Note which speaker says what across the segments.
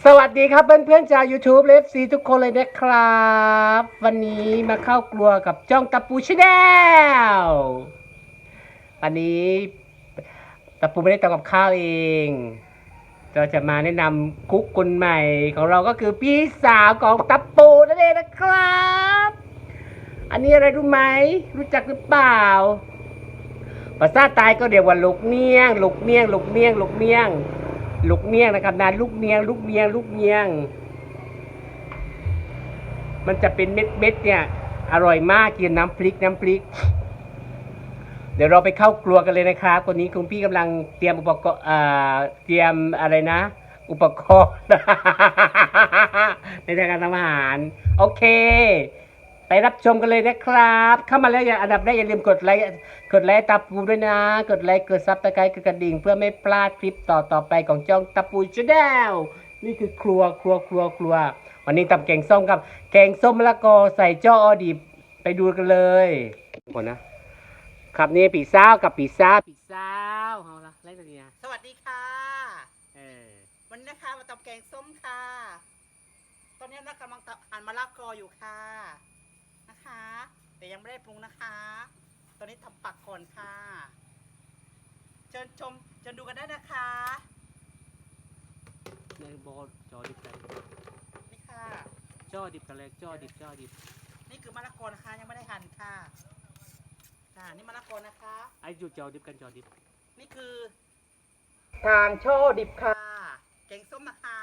Speaker 1: สวัสดีครับเพื่อนๆชาว YouTube เลฟซีทุกคนเลยนะครับวันนี้มาเข้าครัวกับจ้องตะปูชาแนลวันนี้ตะปูไม่ได้ทำกับข้าวเองเราจะมาแนะนำคุกคนใหม่ของเราก็คือพี่สาวของตะปูนั่นเองนะครับอันนี้อะไรรู้ไหมรู้จักหรือเปล่าภาษาใต้ก็เรียกว่าลูกเนียงนะครับนานลูกเนียงมันจะเป็นเม็ดเนี่ยอร่อยมากกินน้ำพริกเดี๋ยวเราไปเข้าครัวกันเลยนะครับคนนี้คุณพี่กำลังเตรียมอุปกรณ์เตรียมอะไรนะอุปกรณ์ ในการทำอาหารโอเคไปรับชมกันเลยนะครับเข้ามาแล้วอันดับแรกอย่าลืมกดไลค์ตาปูด้วยนะกดไลค์กดซับสไครต์กดกระดิ่งเพื่อไม่พลาดคลิปต่อไปของจ้องตาปูชาแนลนี่คือครัววันนี้ทำแกงส้มครับแกงส้มมะละกอใส่จ้ออดิบไปดูกันเลยก่อนนะครับนี่ปีซ่าวเอาละไล่ตัวนี้นะ
Speaker 2: สวัสดีค่ะ
Speaker 1: เออ
Speaker 2: วันนี้นะคะมาตำแกงส้มค่ะ ตอนนี้เรากำลังหั่นมะละกออยู่ค่ะนะคะแต่ยังไม่ได้ปรุงนะคะ ตอนนี้ทำปักก่อนค่ะเชิญดูกันได้นะคะ
Speaker 1: ในโบจอดิบกัน
Speaker 2: นี่ค่ะ
Speaker 1: จ้อดิบกันเลยจ้อดิบ
Speaker 2: นี่คือมะละกอนะคะยังไม่ได้หั่นค่ะนี่มะละกอนะคะ
Speaker 1: ไอ้จุดจอดิบกันจอดิบ
Speaker 2: นี่คือทางช่อดิบค่ะแกงส้มนะคะ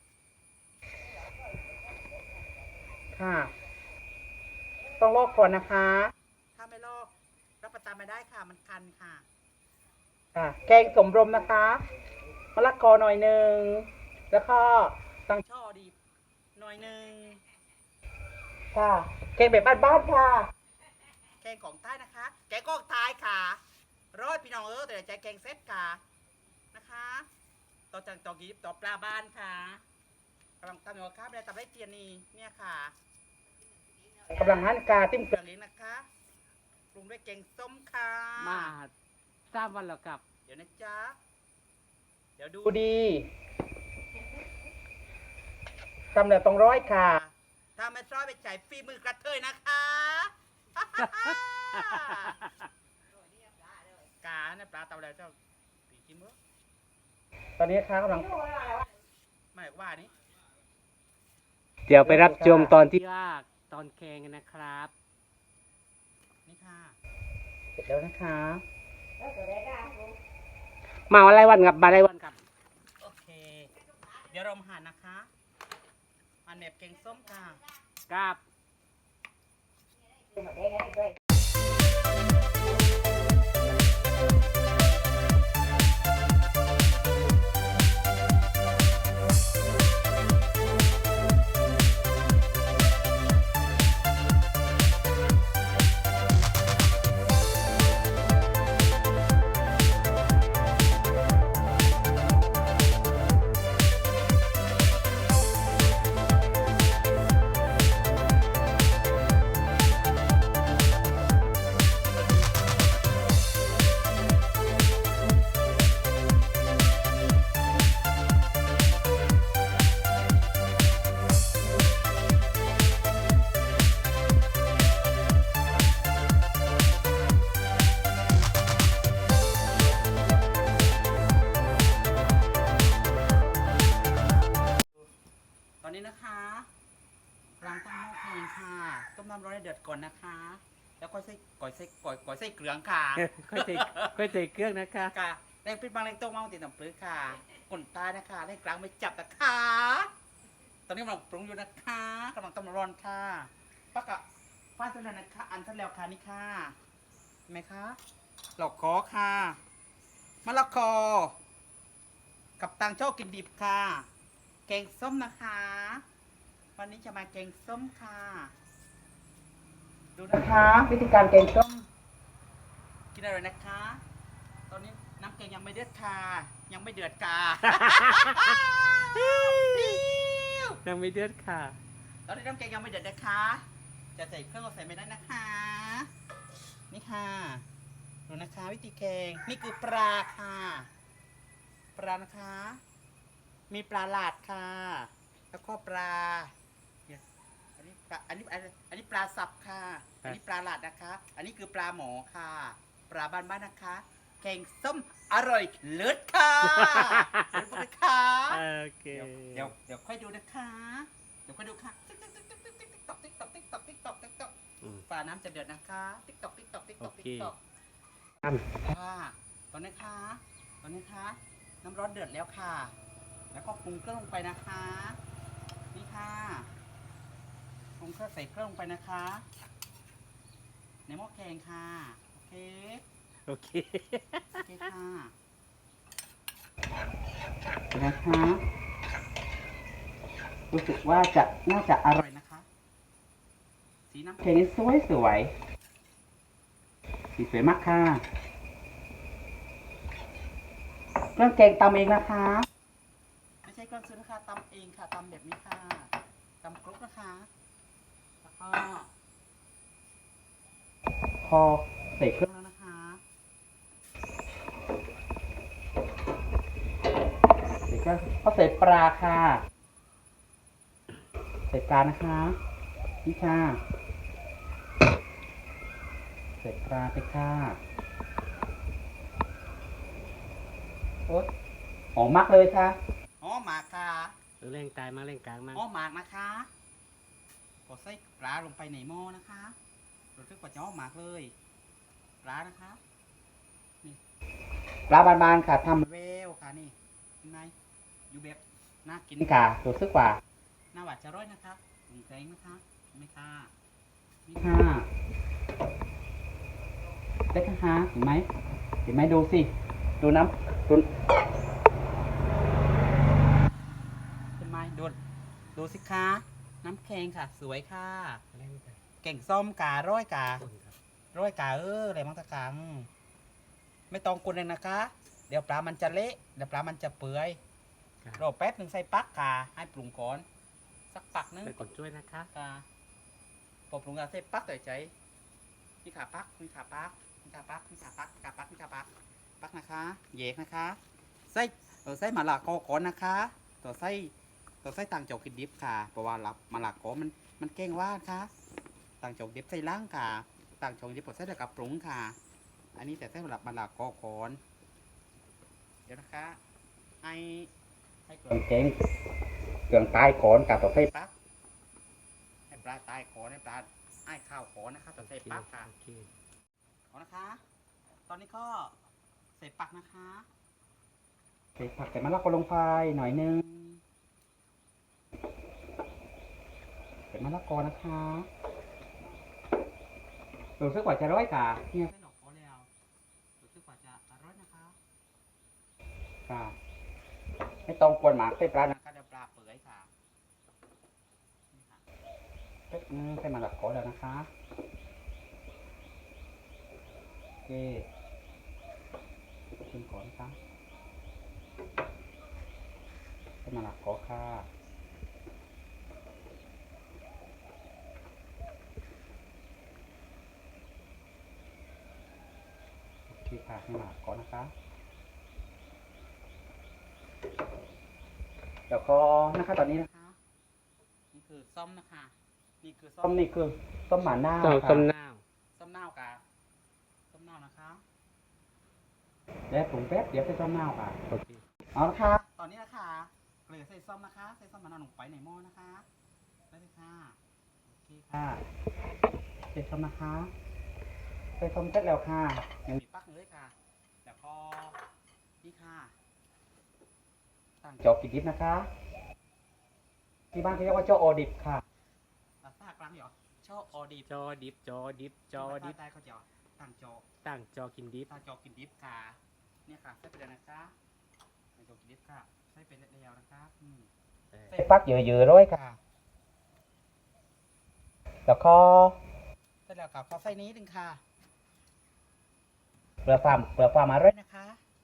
Speaker 2: ค่ะต้องลอกก่อนนะคะถ้าไม่ลอกรับประทานไม่ได้ค่ะมันคันค่ะแกงสมรมนะคะมะละกอหน่อยหนึ่งแล้วก็ตังช่อดิบหน่อยหนึ่งค่ะแกงแบบบ้านๆค่ะแกงของใต้นะคะแกงของใต้ค่ะร้อยพี่น้องแต่ใจแกงเซ็ตค่ะนะคะต่อจากต่อกีบต่อปลาบ้านค่ะกำลังทำอยู่ครับได้ทำได้เตียนนี่เนี่ยค่ะกำลังหั่นกาติ้มเกลือเลี้ยงนะคะปรุงด้วยแกงส้มค่ะ
Speaker 1: มา3 วันแล้วกับ
Speaker 2: เดี๋ยวนะจ๊ะเดี๋ยวดู
Speaker 1: ดี
Speaker 2: ทำแล้วต้องร้อยค่ะถ้าไม่ร้อยไปจ่ายฟรีมือกระเทยนะคะกาเนี่ยปลาเตาแล้วเจ้าปีกินมื้อตอนนี้ค้ากำลังไม่ว่านี้
Speaker 1: เดี๋ยวไปรับชมตอนที่ตอนแข่งกันนะครับ
Speaker 2: นี่ค่ะเสร็จแล้วนะคะ
Speaker 1: มาอะไรวันกับ
Speaker 2: โอเคเดี๋ยวเรามาหั่นนะคะหั่นแบบแกงส้มค่ะ
Speaker 1: กับ
Speaker 2: ตอนนี้นะคะล้างต้มหม้อแกงค่ะต้มน้ำร้อนให้เดือดก่อนนะคะแล้วก็ใส่ก่อยใส่เกลือค่ะ
Speaker 1: ค่อยใส่เครื่องนะคะ
Speaker 2: ค่ะแรงพริกบางแรงต้มเมาติดน้ำปลื้ค่ะก่นตายนะคะแรงกลางไม่จับนะคะตอนนี้กำลังปรุงอยู่นะคะกำลังต้มร้อนค่ะปักกะฟ้าเสร็จแล้วนะคะอันเสร็จแล้วค่ะนี่ค่ะเห็นไหมคะหลอกคอค่ะมะละกอกับตังโชคกินดิบค่ะแกงส้มนะคะวันนี้จะมาแกงส้มค่ะดูนะคะวิธีการแกงส้มกินอะไรนะคะ ตอนนี้น้ำแกงยังไม่เดือดค่ะยังไม่เดือดค่ะ
Speaker 1: ยังไม่เดือดค่ะ
Speaker 2: ตอนนี้น้ำแกงยังไม่เดือดนะคะจะใส่เครื่องก็ใส่ไม่ได้นะคะนี่ค่ะดูนะคะวิธีแกงนี่คือปลาค่ะปลานะคะมีปลาหลาดค่ะ แล้วก็ปลาเนี่ยอันนี้ปลาอันนี้ปลาสับค่ะ อันนี้ปลาหลาดนะคะ อันนี้คือปลาหมอค่ะ ปลาบ้านๆนะคะ แกงส้มอร่อยเลิศค่ะเลิศนะคะ
Speaker 1: โอเค
Speaker 2: เดี๋ยวค่อยดูนะคะ เดี๋ยวค่อยดูค่ะติ๊กตอกติ๊กตอกติ๊กตอกติ๊กตอกติ๊กตอก
Speaker 1: อืม
Speaker 2: ฝาน้ำจะเดือดนะคะติ๊กตอกติ๊กตอกติ๊กตอก
Speaker 1: โอเค
Speaker 2: ติ๊กตอก
Speaker 1: ตั้ม
Speaker 2: ค่ะตอนนี้ค่ะน้ำร้อนเดือดแล้วค่ะ แล้วก็ปรุงเครื่องลงไปนะคะ นี่ค่ะปรุงเครื่องใส่เครื่องลงไปนะคะ ในหม้อแกงค่ะ โอเค
Speaker 1: โอเค
Speaker 2: โอเคค่ะนะคะรู้สึกว่าน่าจะอร่อยนะคะ สีน้ำแกงนี่สวยสีสวยมากค่ะเครื่องแกงตำเองนะคะ ไม่ใช่เครื่องซื้อนะคะตำเองค่ะตำแบบนี้ค่ะตำครกนะคะแล้วก็พอใส่เครื่องแล้วนะคะใส่เครื่องก็ใส่ปลาค่ะใส่ปลานะคะนี่ค่ะใส่ปลาไปค่ะโอ๊ยหอมมากเลยค่ะอ๋อหมากค่ะ
Speaker 1: เร่งกายมาเร่งกลางมา
Speaker 2: อ้อหมากนะคะกดใส่ปลาลงไปในหม้อนะคะรู้สึกว่าจะอ้อหมากเลยปลานะคะนี่ปลาบานๆค่ะทำเวลค่ะนี่เห็นไหมอยู่แบบน่ากินค่ะรู้สึกว่าน่าหวานจะร้อยนะคะปรุงแกงนะคะเห็นไหมค่ะนี่ค่ะเล็กนะคะเห็นไหมดูสิดูน้ำเห็นไหมดูสิคะน้ำแข็งค่ะ สวยค่ะ
Speaker 1: เร่งกาย
Speaker 2: เก่งส้มการ้อยกา
Speaker 1: ต้นครับ
Speaker 2: ร้อยกาอะไรมั้งตะกังไม่ต้องกุนเลยนะคะ เดี๋ยวปลามันจะเละเดี๋ยวปลามันจะเปื่อย
Speaker 1: ครับ
Speaker 2: รอแป๊บหนึ่งใส่ปักกาให้ปรุงก่อนสักปักนึง
Speaker 1: ไปกดช่วยนะคะ
Speaker 2: กาพอปรุงกาใส่ปักใส่ใจนี่ขาปักนี่ขาปักนี่ขาปักนี่ขาปักนี่ขาปักนี่ขาปักปักนะคะเหยกนะคะใส่หมาลากอก่อนนะคะตัวใส่ต่างโจกกินดิบค่ะเพราะว่าหมาลากอมันเก่งว่าค่ะต่างโจกดิบใส่ล้างค่ะต่างโจกดิบผมใส่กับปรุงค่ะ อันนี้แต่ใส่หมาลากอก่อนเดี๋ยวนะคะให้เครื่องตายก่อนกับตัวใส่ปักให้ปลาตายก่อนให้ปลาไอ้ข้าวก่อนนะคะตัวใส่ปักค่ะ
Speaker 1: โอเค
Speaker 2: เอานะคะ ตอนนี้ก็ใส่ปักนะคะ ใส่ผักใส่มะละกอลงไปหน่อยนึง ใส่มะละกอนะคะรู้สึกว่าจะร้อยกาเนี่ยใส่ดอกโอแล้วรู้สึกว่าจะอร่อยนะคะค่ะไม่ต้องกวนหมากใส่ปลานะคะเดี๋ยวปลาเปื่อยค่ะนี่ค่ะใส่มะละกอแล้วนะคะโอเคชิมก่อนนะคะใส่มะละกอค่ะโอเคค่ะให้มะละกอนะคะเดี๋ยวก็นะคะตอนนี้นะคะนี่คือส้มนะคะนี่คือส้มหมาหน้า
Speaker 1: ต้ม
Speaker 2: ค่ะ
Speaker 1: ต้มน้าว
Speaker 2: ส้มเน่ากะส้มเน่านะคะเดี๋ยวปรุงแป๊บเดี๋ยวใส่ส้มเน่าค่ะ
Speaker 1: โอเค
Speaker 2: เอาละค่ะตอนนี้นะคะเหลือใส่ส้มนะคะใส่ส้มมะนาวลงไปในหม้อนะคะได้เลยค่ะโอเคค่ะใส่ส้มนะคะใส่ส้มเสร็จแล้วค่ะยังมีปักเลยค่ะแล้วก็นี่ค่ะตั้งจอกกินดิบนะคะที่บ้านเขาเรียกว่าโจโอดิบค่ะภาษากลางเหรอโจโอดิบ
Speaker 1: จอดิบจอดิบจอดิบ
Speaker 2: ใต้เขาจะตั้งโจ
Speaker 1: ตั้งจอกินดิบ
Speaker 2: ตั้งโจกินดิบค่ะเนี่ยค่ะใส่ไปเลยนะคะตั้งโจกินดิบค่ะใส่ไปแล้วนะคะใส่ปักเยอะๆด้วยค่ะแล้วก็ใส่แล้วกับข้าวไส้นี้นึงค่ะเปลือกฟาร์มอร่อยนะคะ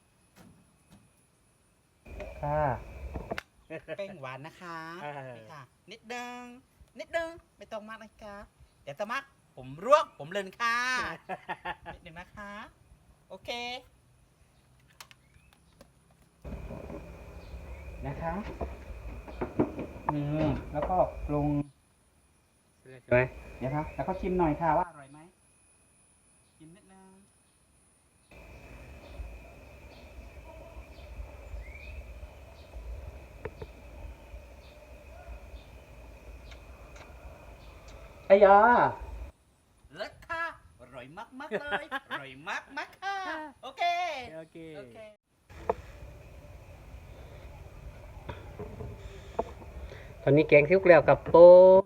Speaker 2: ค่ะเป้งหวานนะคะนี่ค่ะนิดนึงไม่ต้องมากนะคะเดี๋ยวจะมากผมรวบผมเลินค่ะนิดนึงนะคะโอเคนะคะแล้วก็ปรุง
Speaker 1: ใช่ไหม
Speaker 2: เดี๋ยวครับแล้วก็ชิมหน่อยค่ะว่าอร่อยไหมชิมนิดนึง
Speaker 1: ไอ้ยา
Speaker 2: เลิศค่ะอร่อยมากๆเลย อร่อยมากๆค่ะโอเค
Speaker 1: โอเค
Speaker 2: โอเค
Speaker 1: ตอนนี้แกงซิ้วเกลียวกับปม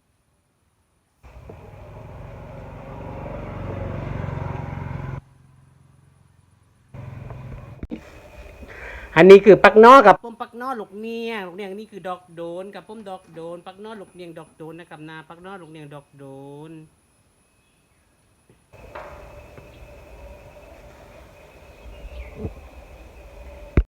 Speaker 1: อันนี้คือปักนอกับป้มปักนอลูกเนียงลูกเนียงนี่คือดอกโดนกับป้มดอกโดนปักนอลูกเนียงดอกโดนนะครับนาปักนอลูกเนียงดอกโดน